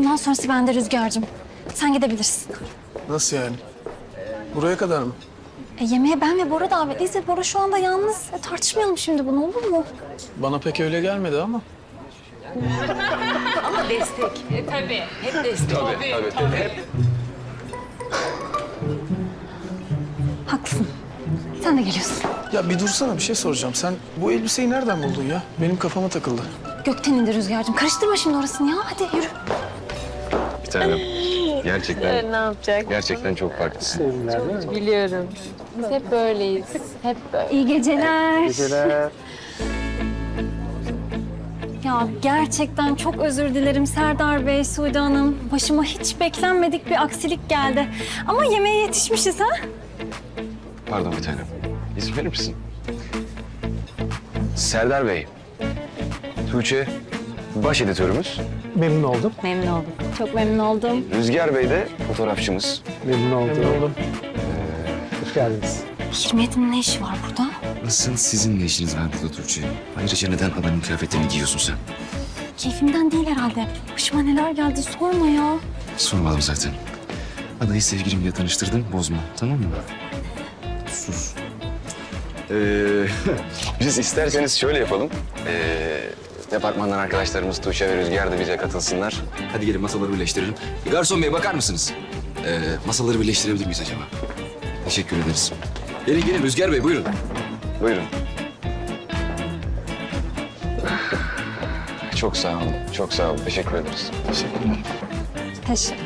Bundan sonrası bende Rüzgar'cığım. Sen gidebilirsin. Nasıl yani? Buraya kadar mı? Yemeğe ben ve Bora davetliyiz ve Bora şu anda yalnız. Tartışmayalım şimdi bunu, olur mu? Bana pek öyle gelmedi ama. Ama destek. Tabii. Hep destek. Tabii. Hep. Haklısın. Sen de geliyorsun. Ya bir dursana, bir şey soracağım. Sen bu elbiseyi nereden buldun ya? Benim kafama takıldı. Gökten indi Rüzgar'cığım. Karıştırma şimdi orasını ya. Hadi yürü. Bir tanem. Gerçekten, Ne yapacak? gerçekten çok farklısın. Biliyorum. Biz hep böyleyiz. Hep böyle. İyi geceler. Ya gerçekten çok özür dilerim Serdar Bey, Sude Hanım. Başıma hiç beklenmedik bir aksilik geldi. Ama yemeğe yetişmişiz ha? Pardon bir tanem. İzin verir misin? Serdar Bey, Tuğçe baş editörümüz. Memnun oldum. Memnun oldum. Çok memnun oldum. Rüzgar Bey de fotoğrafçımız. Memnun oldum. Memnun oldum. Hoş geldiniz. 27'nin ne işi var burada? Nasıl sizin ne işiniz var burada Tuğçe? Ayrıca neden adamın kıyafetlerini giyiyorsun sen? Keyfimden değil herhalde. Başıma neler geldi sorma ya. Sormadım zaten. Adayı sevgilimle tanıştırdım, bozma. Tamam mı? Sus. Biz isterseniz şöyle yapalım. Departmandan arkadaşlarımız Tuğçe ve Rüzgar da bize katılsınlar. Hadi gelin masaları birleştirelim. Garson bey bakar mısınız? Masaları birleştirebilir miyiz acaba? Teşekkür ederiz. Gelin Rüzgar Bey buyurun. Buyurun. Çok sağ olun, çok sağ olun. Teşekkür ederiz. Teşekkürler. Teşekkür.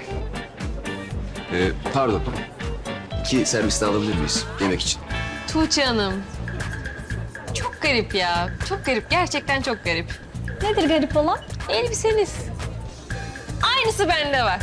Pardon. 2 servis de alabilir miyiz yemek için? Tuğçe Hanım. Çok garip ya. Çok garip. Gerçekten çok garip. Nedir garip olan? Elbiseniz. Aynısı bende var.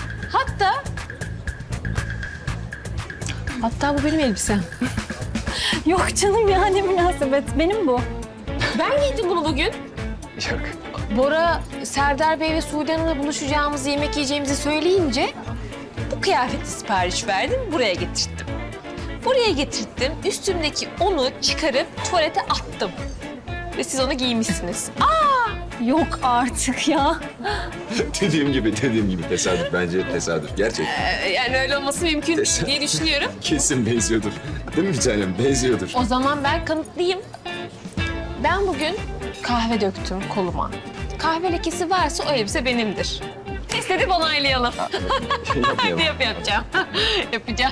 Hatta bu benim elbisem. Yok canım ya, ne münasebet. Benim bu. Ben giydim bunu bugün. Yok. Bora, Serdar Bey ve Sude Hanım'la buluşacağımızı, yemek yiyeceğimizi söyleyince bu kıyafeti sipariş verdim, buraya getirttim. Buraya getirttim, üstümdeki onu çıkarıp tuvalete attım. Ve siz onu giymişsiniz. Yok artık ya. Dediğim gibi tesadüf bence tesadüf. Gerçekten. Yani öyle olması mümkün diye düşünüyorum. Kesin benziyordur. Değil mi bir tanem? Benziyordur. O zaman ben kanıtlayayım. Ben bugün kahve döktüm koluma. Kahve lekesi varsa o elbise benimdir. Test edip onaylayalım. Yapmayalım. Yapacağım. Yapacağım.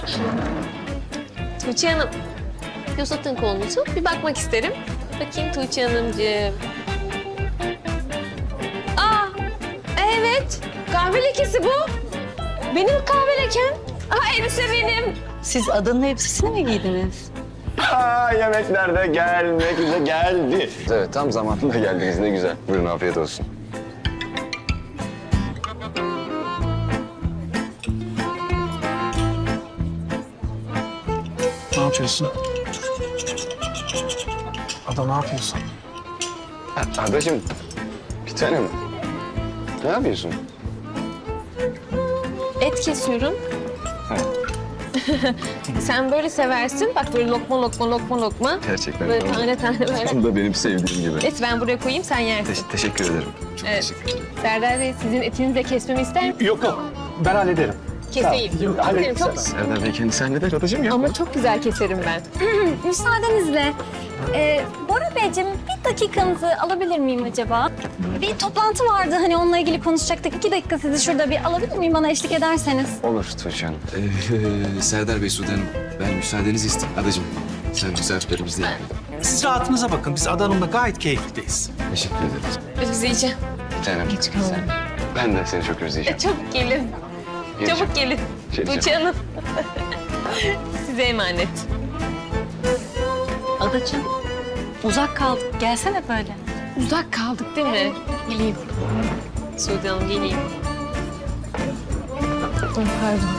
Tuğçe Hanım, bir uzatın kolunuzu. Bir bakmak isterim. Bakayım Tuğçe Hanımcığım. Aa, evet. Kahve lekesi bu. Benim kahve lekem. Elbise benim. Siz adanın elbisesini mi giydiniz? Yemekler de gelmek üzere geldi. Evet tam zamanında geldiniz ne güzel. Buyurun afiyet olsun. Ne yapıyorsun? Ada ne yapıyorsun? Adacığım bir tanem. Ne yapıyorsun? Et kesiyorum. Sen böyle seversin. Bak böyle lokma lokma lokma lokma. Gerçekten. Böyle tane tane böyle. Tam da benim sevdiğim gibi. Et ben buraya koyayım sen yersin. Teşekkür ederim. Çok Evet. teşekkür ederim. Serdar Bey sizin etinizi de kesmemi ister misiniz? Yok. Ben hallederim. Keseyim. Keserim çok. Serdar Bey kendisi halleder adacığım ya. Ama çok güzel keserim ben. Müsaadenizle. Bora Beyciğim, bir dakikanızı alabilir miyim acaba? Bir toplantı vardı, hani onunla ilgili konuşacaktık. 2 dakika sizi şurada bir alabilir miyim, bana eşlik ederseniz? Olur Tuğçe Hanım. Serdar Bey, Sude Hanım, ben müsaadenizi isteyeyim. Adacığım, sen misafirlerimiz değil. Siz rahatınıza bakın. Biz Ada Hanım'la gayet keyifliyiz. Teşekkür ederiz. Özleyeceğim. Bir tanem. Geç kaldım. Ben de seni çok özleyeceğim. Çabuk gelin. Geleceğim. Çabuk gelin. Geleceğim. Tuğçe Hanım. Size emanet. Adacığım, uzak kaldık. Gelsene böyle. Uzak kaldık değil mi? Geleyim. Sude Hanım geleyim. Pardon.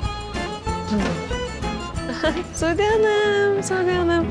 Sude Hanım, Sude Hanım.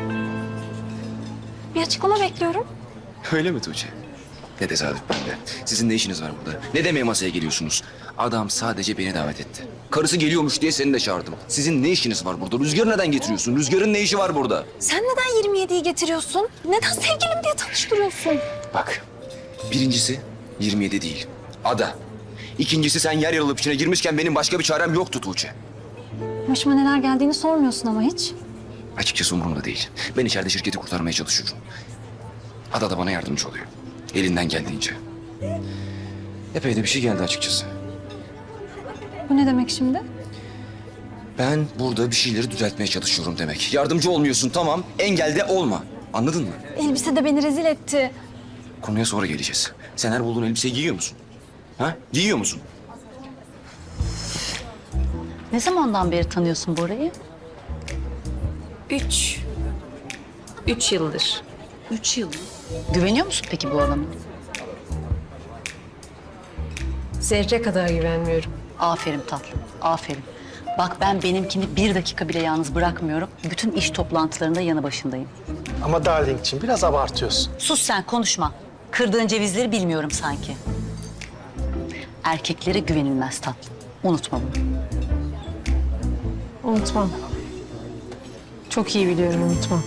Bir açıklama bekliyorum. Öyle mi Tuğçe? Ne tesadüf bende. Sizin ne işiniz var burada? Ne demeye masaya geliyorsunuz? Adam sadece beni davet etti. Karısı geliyormuş diye seni de çağırdım. Sizin ne işiniz var burada? Rüzgar'ı neden getiriyorsun? Rüzgar'ın ne işi var burada? Sen neden 27'yi getiriyorsun? Neden sevgilim diye tanıştırıyorsun? Bak, birincisi 27 değil. Ada. İkincisi sen yer yarılıp içine girmişken benim başka bir çarem yoktu Tuğçe. Başıma neler geldiğini sormuyorsun ama hiç. Açıkçası umurumda değil. Ben içeride şirketi kurtarmaya çalışıyorum. Ada da bana yardımcı oluyor. Elinden geldiğince. Epey de bir şey geldi açıkçası. Bu ne demek şimdi? Ben burada bir şeyleri düzeltmeye çalışıyorum demek. Yardımcı olmuyorsun tamam, engelde olma. Anladın mı? Elbise de beni rezil etti. Konuya sonra geleceğiz. Sen her bulduğun elbiseyi giyiyor musun? Ha? Giyiyor musun? Ne zamandan beri tanıyorsun Bora'yı? 3 yıldır. 3 yıl. Güveniyor musun peki bu adama? Zerre kadar güvenmiyorum. Aferin tatlım, aferin. Bak ben benimkini 1 dakika bile yalnız bırakmıyorum. Bütün iş toplantılarında yanı başındayım. Ama Darling'cim biraz abartıyorsun. Sus sen konuşma. Kırdığın cevizleri bilmiyorum sanki. Erkeklere güvenilmez tatlım. Unutma bunu. Unutmam. Çok iyi biliyorum, unutmam.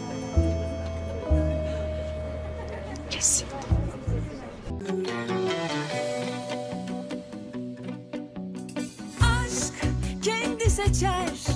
Kesin. aşk kendi seçer